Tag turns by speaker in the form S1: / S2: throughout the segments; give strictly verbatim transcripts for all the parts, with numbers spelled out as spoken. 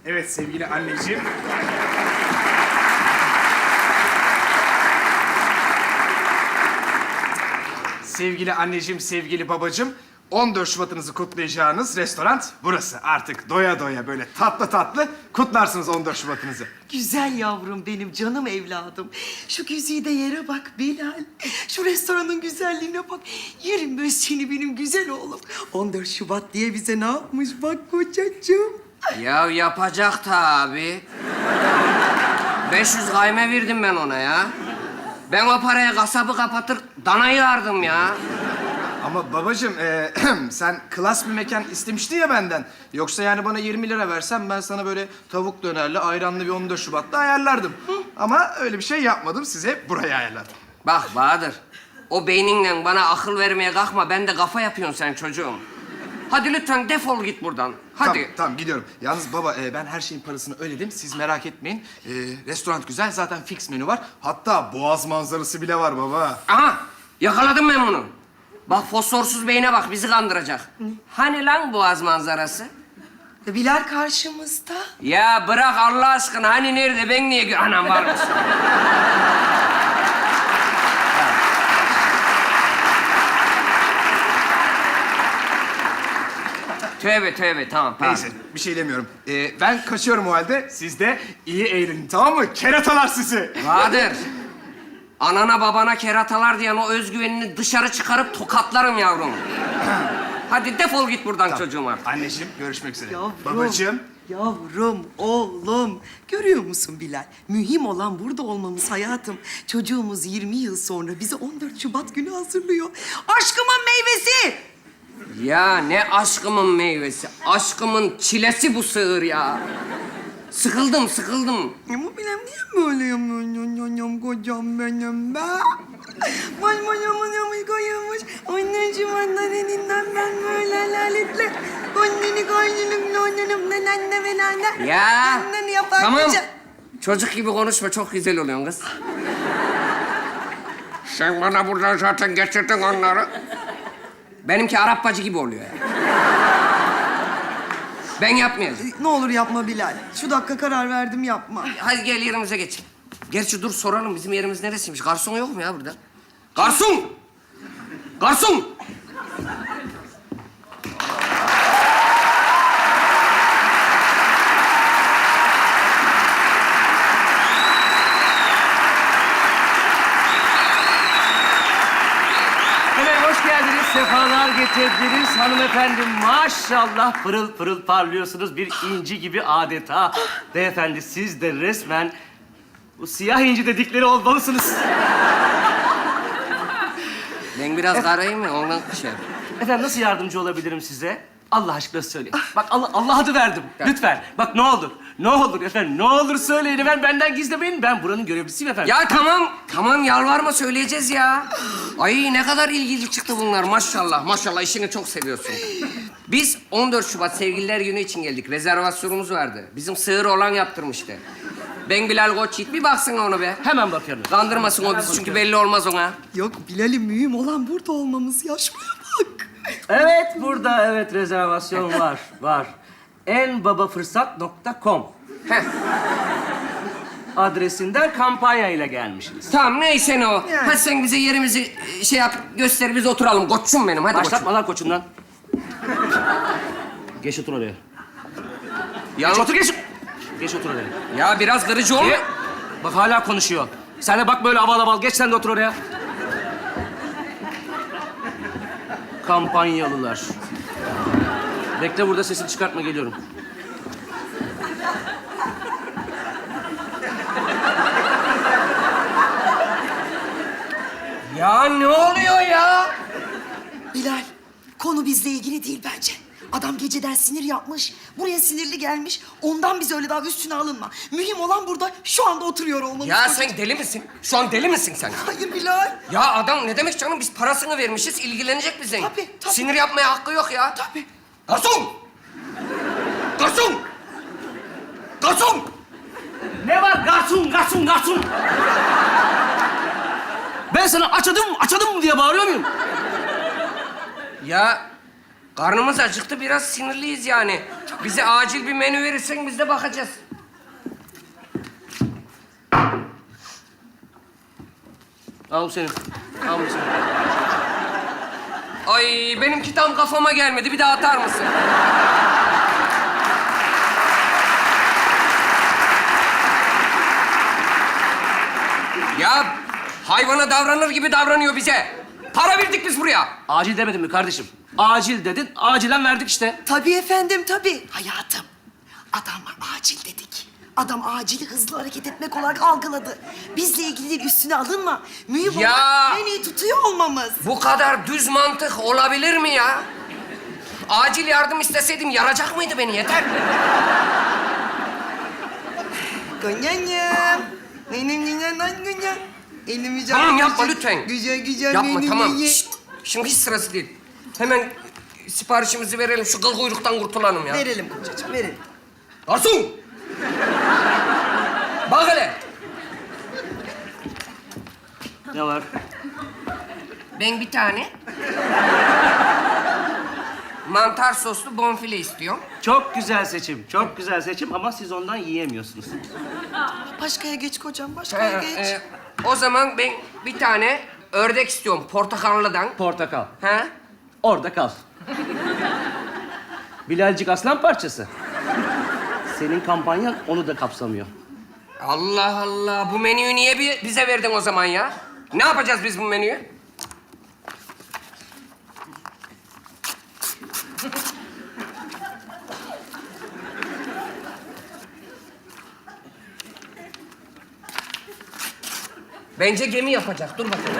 S1: Evet sevgili anneciğim. Sevgili anneciğim, sevgili babacığım, on dört Şubat'ınızı kutlayacağınız restoran burası. Artık doya doya böyle tatlı tatlı kutlarsınız on dört Şubat'ınızı.
S2: Güzel yavrum benim, canım evladım. Şu güzide yere bak Bilal. Şu restoranın güzelliğine bak. Yerim ben seni benim güzel oğlum. on dört Şubat diye bize ne yapmış bak kocacığım.
S3: Ya yapacak tabii. beş yüz kayme verdim ben ona ya. Ben o paraya kasabı kapatır, danayı yardım ya.
S1: Ama babacığım, e, sen klas bir mekan istemiştin ya benden. Yoksa yani bana yirmi lira versen ben sana böyle tavuk dönerli, ayranlı bir on dört Şubat'ta ayarlardım. Ama öyle bir şey yapmadım, size burayı ayarladım.
S3: Bak Bahadır, o beyninle bana akıl vermeye kalkma. Ben de kafa yapıyorsun sen çocuğum. Hadi lütfen defol git buradan. Hadi.
S1: Tamam, tamam gidiyorum. Yalnız baba, e, ben her şeyin parasını ödedim. Siz merak etmeyin. E, restoran güzel, zaten fix menü var. Hatta boğaz manzarası bile var baba.
S3: Aha, yakaladım ben bunu. Bak fosforsuz beyine bak, bizi kandıracak. Hani lan boğaz manzarası?
S2: Bilal karşımızda.
S3: Ya bırak Allah aşkına, hani nerede, ben niye gö... Anam varmış. Tövbe tövbe, tamam tamam.
S1: Neyse, bir şey demiyorum. E, ben kaçıyorum o halde. Siz de iyi eğlenin, tamam mı? Keratalar sizi.
S3: Bahadır, anana babana keratalar diyen o özgüvenini dışarı çıkarıp tokatlarım yavrum. Hadi defol git buradan
S1: Tamam.
S3: çocuğum artık.
S1: Anneciğim, görüşmek üzere.
S2: Yavrum.
S1: Babacığım.
S2: Yavrum, oğlum. Görüyor musun Bilal? Mühim olan burada olmamız hayatım. Çocuğumuz yirmi yıl sonra bize on dört Şubat günü hazırlıyor. Aşkımın meyvesi.
S3: Ya ne aşkımın meyvesi, aşkımın çilesi bu sığır ya. Sıkıldım, sıkıldım.
S2: Ama benim niye böyle yapıyorum kocam benim be? Vay vay aman aman koymuş. Anneciğim annen elinden ben böyle laletle. Anneni kaynının annenimden anne ve anne.
S3: Ya
S2: Anneni yapar
S3: tamam.
S2: kocam.
S3: Çocuk gibi konuşma, çok güzel oluyorsun kız. Sen bana buradan zaten getirdin onları. Benimki Arap bacı gibi oluyor ya. Ben yapmayacağım.
S2: Ne olur yapma Bilal. Şu dakika karar verdim yapma.
S3: Hadi gel yerimize geç. Gerçi dur soralım, bizim yerimiz neresiymiş? Garson yok mu ya burada? Garson! Garson!
S4: Hemen hoş geldiniz, sefalar getirdiniz hanımefendi. Maşallah pırıl pırıl parlıyorsunuz, bir inci gibi adeta. Beyefendi siz de resmen bu siyah inci dedikleri olmalısınız.
S3: Ben biraz karayım mı? Ondan şey yap.
S4: Efendim nasıl yardımcı olabilirim size? Allah aşkına söyleyin. Bak Allah, Allah adı verdim. Lütfen. Bak ne olur. Ne olur efendim. Ne olur söyleyin. Ben benden gizlemeyin. Ben buranın görevlisiyim efendim.
S3: Ya tamam, tamam yalvarma, söyleyeceğiz ya. Ay ne kadar ilgili çıktı bunlar maşallah. Maşallah işini çok seviyorsun. Biz on dört Şubat Sevgililer Günü için geldik. Rezervasyonumuz vardı. Bizim sığır olan yaptırmıştı. Ben Bilal Koçyiğit, bir baksana onu be.
S4: Hemen bakıyorum.
S3: Kandırmasın o bizi çünkü belli olmaz ona.
S2: Yok Bilal'im mühim olan burada olmamız ya. Şuraya bak.
S4: Evet, burada evet rezervasyon var, var. en baba fırsat nokta com
S3: Heh.
S4: adresinden kampanya ile gelmişsiniz.
S3: Tamam neyse ne o.
S2: Yani.
S3: Hadi sen bize yerimizi e, şey yap, göster, biz oturalım. Koçum benim, hadi
S4: Başlatma
S3: koçum.
S4: lan koçundan. Geç otur oraya.
S3: Ya,
S4: Geç otur, geç. Geç otur oraya.
S3: ya biraz kırıcı olma.
S4: Ge- Bak hala konuşuyor. Sen de bak böyle aval aval. Geç sen de otur oraya. Kampanyalılar. Bekle burada, sesini çıkartma, geliyorum.
S3: Ya ne oluyor ya?
S2: Bilal, konu bizle ilgili değil bence. Adam geceden sinir yapmış, buraya sinirli gelmiş. Ondan biz öyle daha üstüne alınma. Mühim olan burada şu anda oturuyor olmamız.
S3: Ya
S2: kocacığım.
S3: sen deli misin? Şu an deli misin sen?
S2: Hayır Bilal.
S3: Ya adam ne demek canım? Biz parasını vermişiz, ilgilenecek bize.
S2: Tabii, tabii.
S3: Sinir yapmaya hakkı yok ya.
S2: Tabii.
S3: Garson! Garson! Garson!
S4: Ne var? Garson, garson, garson! Ben sana açadım, açadım diye bağırıyor muyum?
S3: Ya Karnımız acıktı, biraz sinirliyiz yani. Bize acil bir menü verirsen biz de bakacağız.
S4: Al bu senin. Al bu senin.
S3: Ay benimki tam kafama gelmedi. Bir daha atar mısın? Ya hayvana davranır gibi davranıyor bize. Para verdik biz buraya.
S4: Acil demedim mi kardeşim? Acil dedin, acilen verdik işte.
S2: Tabii efendim, tabii. Hayatım, adama acil dedik. Adam acili hızlı hareket etmek olarak algıladı. Bizle ilgili değil, üstüne alınma. Mühim
S3: Ya!
S2: olan en iyi tutuyor olmamız.
S3: Bu kadar düz mantık olabilir mi ya? Acil yardım isteseydim yaracak mıydı beni? Yeter.
S2: Konyanyam. Benim dünyadan güzel. Elimi güzel.
S3: Tamam yapma lütfen.
S2: Güzel güzel
S3: Yapma
S2: benim
S3: tamam.
S2: ye.
S3: Şşt, şimdi hiç sırası değil. Hemen siparişimizi verelim. Şu kıl kuyruktan kurtulalım ya.
S2: Verelim kocacığım, verelim.
S3: Garson! Bak hele.
S4: Ne var?
S3: Ben bir tane mantar soslu bonfile istiyorum.
S4: Çok güzel seçim, çok güzel seçim ama siz ondan yiyemiyorsunuz.
S2: Başkaya geç kocam, başkaya
S3: Ee,
S2: geç.
S3: e, o zaman ben bir tane ördek istiyorum portakallıdan.
S4: Portakal.
S3: Ha?
S4: Orada kal. Bilalcik aslan parçası. Senin kampanyan onu da kapsamıyor.
S3: Allah Allah. Bu menüyü niye bi- bize verdin o zaman ya? Ne yapacağız biz bu menüyü? Bence gemi yapacak. Dur bakalım.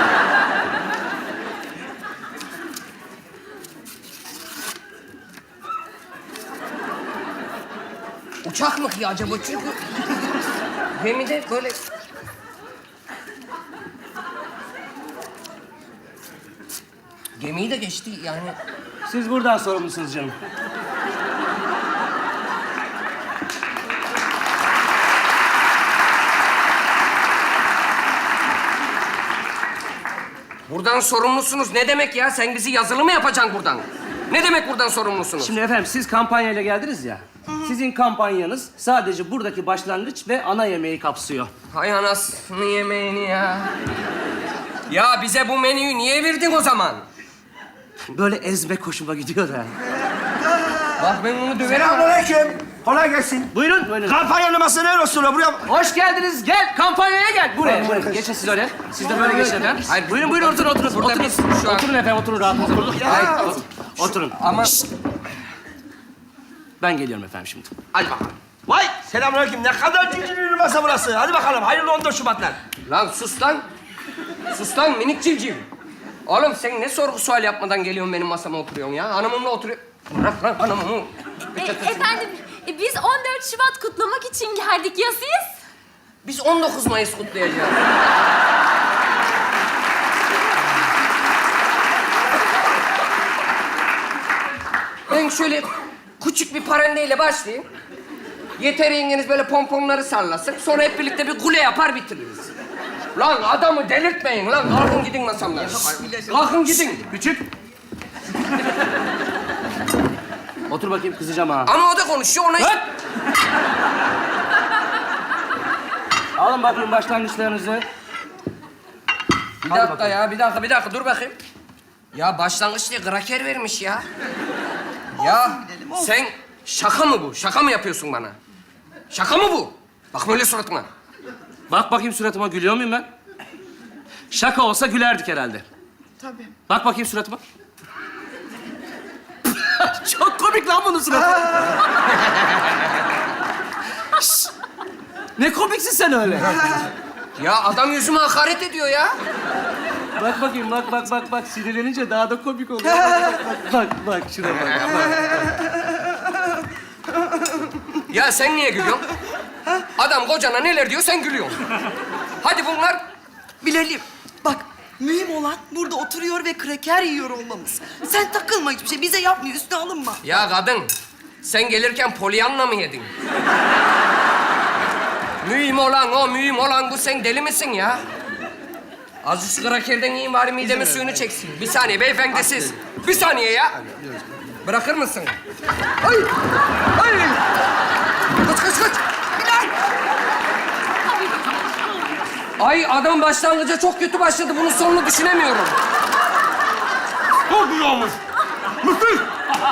S3: Uçak mı ki acaba? Çünkü gemide böyle... Gemiyi de geçti yani.
S4: Siz buradan sorumlusunuz canım.
S3: Buradan sorumlusunuz ne demek ya? Sen bizi yazılı mı yapacaksın buradan? Ne demek buradan sorumlusunuz?
S4: Şimdi efendim siz kampanyayla geldiniz ya. Sizin kampanyanız sadece buradaki başlangıç ve ana yemeği kapsıyor.
S3: Hay anasını yemeğini ya. Ya bize bu menüyü niye verdin o zaman?
S4: Böyle ezmek hoşuma gidiyor da.
S3: Bak ben onu döverim.
S5: Selamünaleyküm. Kolay gelsin.
S4: Buyurun, buyurun.
S5: Kampanya numarası ne olsun buraya?
S4: Hoş geldiniz. Gel, kampanyaya gel. Buraya, buraya. Geçin siz öyle. Siz de böyle geçin efendim.
S3: Hayır,
S4: Buyurun, buyurun. Oturun, oturun.
S3: Burada
S4: Oturun.
S3: biz şu an-
S4: Oturun efendim, oturun rahatınıza.
S3: Hayır,
S4: Oturun. Oturun.
S3: Ama...
S4: Ben geliyorum efendim şimdi.
S5: Hadi bakalım. Vay selamünaleyküm. Ne kadar cücülü bir masa burası. Hadi bakalım. Hayırlı on dört Şubatlar.
S3: Lan sus lan. Sus lan minik civciv. Oğlum sen ne sorgu sual yapmadan geliyorsun benim masama oturuyorsun ya? Hanımımla oturuyor. Bırak lan hanımımı.
S6: E, efendim, e, biz on dört Şubat kutlamak için geldik. Ya siz?
S3: Biz on dokuz Mayıs kutlayacağız. Ben şöyle küçük bir parandeyle başlayayım. Yeter yengeniz böyle pomponları sallasın. Sonra hep birlikte bir kule yapar bitiririz. Lan adamı delirtmeyin lan. Kalkın gidin masamdan. Kalkın gidin.
S4: Küçük. Otur bakayım, kızacağım ha.
S3: Ama o da konuşuyor ona...
S4: Hop! Alın bakayım başlangıçlarınızı.
S3: Bir dakika ya, bir dakika, bir dakika. Dur bakayım. Ya başlangıç diye kraker vermiş ya. Ya sen şaka mı bu? Şaka mı yapıyorsun bana? Şaka mı bu? Bakma öyle suratıma.
S4: Bak bakayım suratıma, gülüyor muyum ben? Şaka olsa gülerdik herhalde.
S2: Tabii.
S4: Bak bakayım suratıma. Çok komik lan bunun suratı. Şş! Ne komiksin sen öyle.
S3: Ya adam yüzüme hakaret ediyor ya.
S4: Bak bakayım, bak bak bak bak. Sinirlenince daha da komik oluyor. Bak bak bak, bak şuna bak.
S3: Ya sen niye gülüyorsun? Adam kocana neler diyor, sen gülüyorsun. Hadi bunlar...
S2: Bilal'im, bak mühim olan burada oturuyor ve kraker yiyor olmamız. Sen takılma hiçbir şey, bize yapmıyor, üstüne alınma.
S3: Ya kadın, sen gelirken polyanla mı yedin? Mühim olan o, mühim olan bu. Sen deli misin ya? Az şu krakerden yiyin bari midemin suyunu çeksin. Bir saniye beyefendi siz. Bir saniye ya. Bırakır mısın? Ay! Ay! Kaç kaç kaç! Bilal! Ay adam başlangıca çok kötü başladı. Bunun sonunu düşünemiyorum.
S5: Çok güzel olmuş. Müthiş.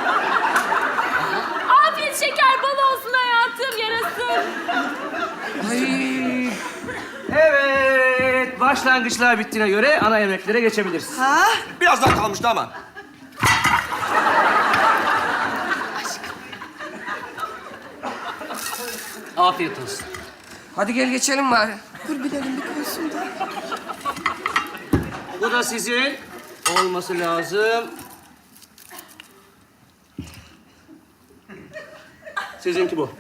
S6: Afiyet şeker bal olsun hayatım, yarasın.
S3: Ay!
S4: Evet, başlangıçlar bittiğine göre ana yemeklere geçebiliriz.
S2: Ha?
S5: Biraz daha kalmıştı ama.
S4: Afiyet olsun.
S3: Hadi gel geçelim bari.
S2: Dur Bilal'im bir koysun da.
S4: Bu da sizin olması lazım. Sizinki bu.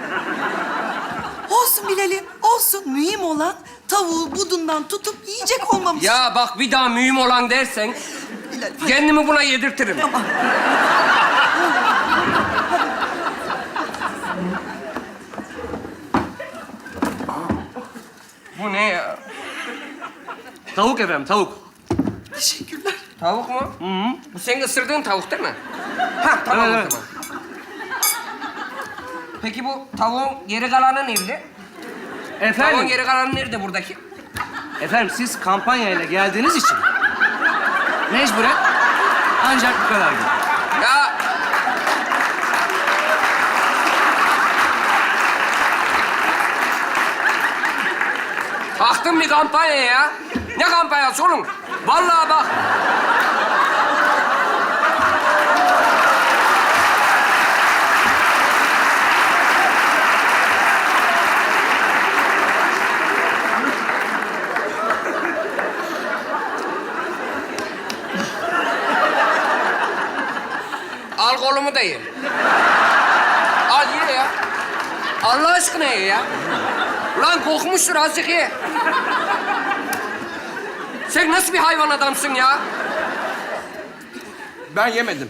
S2: Olsun Bilal'im, olsun. Mühim olan tavuğu budundan tutup yiyecek olmamız.
S3: Ya bak bir daha mühim olan dersen
S2: Bilal, hadi.
S3: kendimi buna yedirtirim. Bu ne ya?
S4: Tavuk efendim, tavuk.
S2: Teşekkürler.
S3: Tavuk mu? Hı hı. Bu senin ısırdığın tavuk değil mi? Ha tamam
S4: Evet,
S3: o
S4: evet.
S3: zaman. Peki bu tavuğun geri kalanı nerede? Tavuğun
S4: Efendim,
S3: geri kalanı nerede buradaki?
S4: efendim siz kampanyayla geldiğiniz için mecburen ancak bu kadar.
S3: Ya taktım bir kampanya ya. Ne kampanyası oğlum? Vallahi bak. Al kolumu da ye. Al ye ya. Allah aşkına ye ya. Lan kokmuştur azıcık ye. Sen nasıl bir hayvan adamsın ya?
S5: Ben yemedim.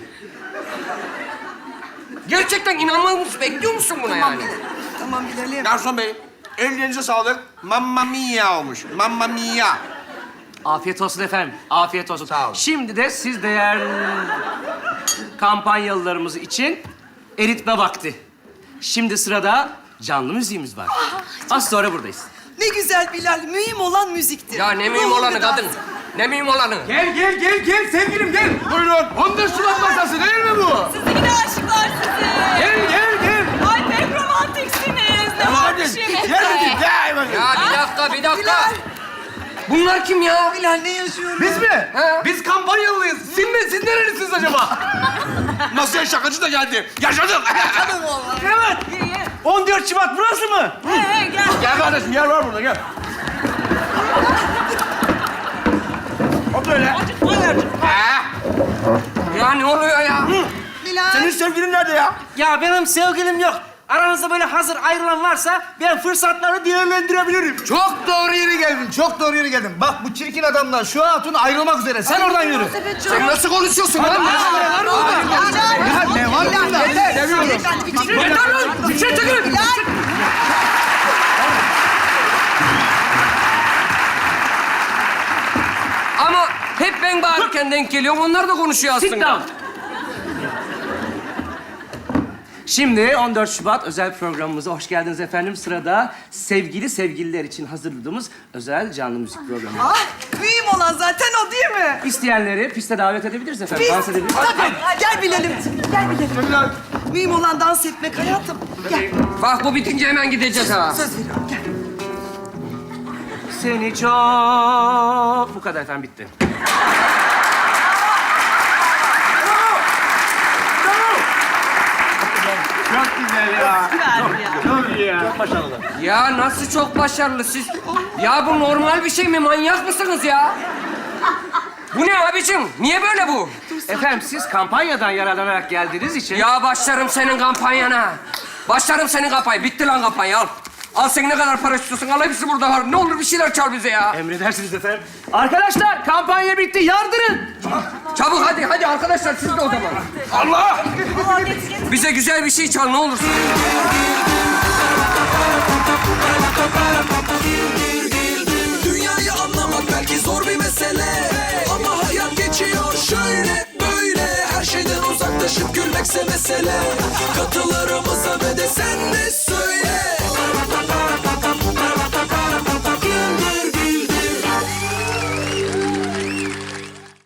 S3: Gerçekten inanmaz mısın? Bekliyor musun buna yani?
S2: Tamam Bilal'im.
S5: Garson bey, ellerinize sağlık. Mamma mia olmuş. Mamma mia.
S4: Afiyet olsun efendim, afiyet olsun.
S5: Sağ olun.
S4: Şimdi de siz değerli kampanyalılarımız için eritme vakti. Şimdi sırada canlı müziğimiz var. Az sonra buradayız.
S2: Ne güzel Bilal. Mühim olan müziktir.
S3: Ya ne mühim
S2: Ruhunu
S3: olanı
S2: dans-
S3: kadın? Ne mühim olanı?
S1: Gel gel gel gel sevgilim gel. Buyurun. on dört Şubat masası değil mi bu?
S6: Sizi yine aşıklar sizi.
S1: Gel gel gel.
S6: Ay pek romantiksiniz. Ne var bir şey
S5: Gel hadi, gel hadi.
S3: Ya bir dakika, bir dakika. Bunlar kim ya?
S2: Bilal ne yaşıyorum?
S1: Biz mi?
S3: He.
S1: Biz kampanyalıyız. Siz mi? Siz nerelisiniz acaba?
S5: Masaya şakacı da geldi. Yaşadık.
S1: Evet. on dört Şubat burası mı?
S6: He he gel.
S5: Gel kardeşim, yer var burada, gel. O böyle.
S3: Ha? Ya ne oluyor ya?
S2: Bilal.
S5: Senin sevgilin nerede ya?
S7: Ya benim sevgilim yok. Aranızda böyle hazır ayrılan varsa ben fırsatları değerlendirebilirim.
S1: Çok doğru yere geldin. Çok doğru yere geldin. Bak bu çirkin adamla şu hatun ayrılmak üzere. Sen oradan yürü.
S3: Sen nasıl konuşuyorsun lan?
S1: Ne var burada? Ya ne var burada? Yeter.
S2: Seviyorum.
S3: Yeter lan! Bir şey çekin! Ama hep ben bağırırken denk geliyorum. Onlar da konuşuyor
S4: Sit
S3: aslında.
S4: down. Şimdi on dört Şubat özel programımıza hoş geldiniz efendim. Sırada sevgili sevgililer için hazırladığımız özel canlı müzik programı.
S2: Ah, mühim olan zaten o değil mi?
S4: İsteyenleri piste davet edebiliriz efendim.
S2: Biz.
S4: Dans edebiliriz.
S2: Tabii. Gel Bilal'im. Gel Bilal'im. Mühim olan dans etmek hayatım. Gel.
S3: Bak bu bitince hemen gideceğiz ha.
S2: Söz veriyorum. Gel.
S4: Seni çok... Bu kadar efendim, bitti.
S1: Çok güzel ya. Çok iyi ya.
S3: Ya nasıl çok başarılı siz? Ya bu normal bir şey mi? Manyak mısınız ya? Bu ne abicim? Niye böyle bu?
S4: Efendim siz kampanyadan yararlanarak geldiğiniz için...
S3: Ya başlarım senin kampanyana. Başlarım senin kampanya. Bitti lan kampanya al. Al sen ne kadar para istiyorsun? Al hepsi burada var. Ne olur bir şeyler çal bize ya.
S4: Emredersiniz efendim. Arkadaşlar kampanya bitti, yardırın.
S3: Çabuk hadi hadi arkadaşlar siz de o zaman.
S5: Allah!
S3: Bize güzel bir şey çal ne olursun.
S8: Dünyayı anlamak belki zor bir mesele, ama hayat geçiyor şöyle böyle. Her şeyden uzaklaşıp gülmekse mesele.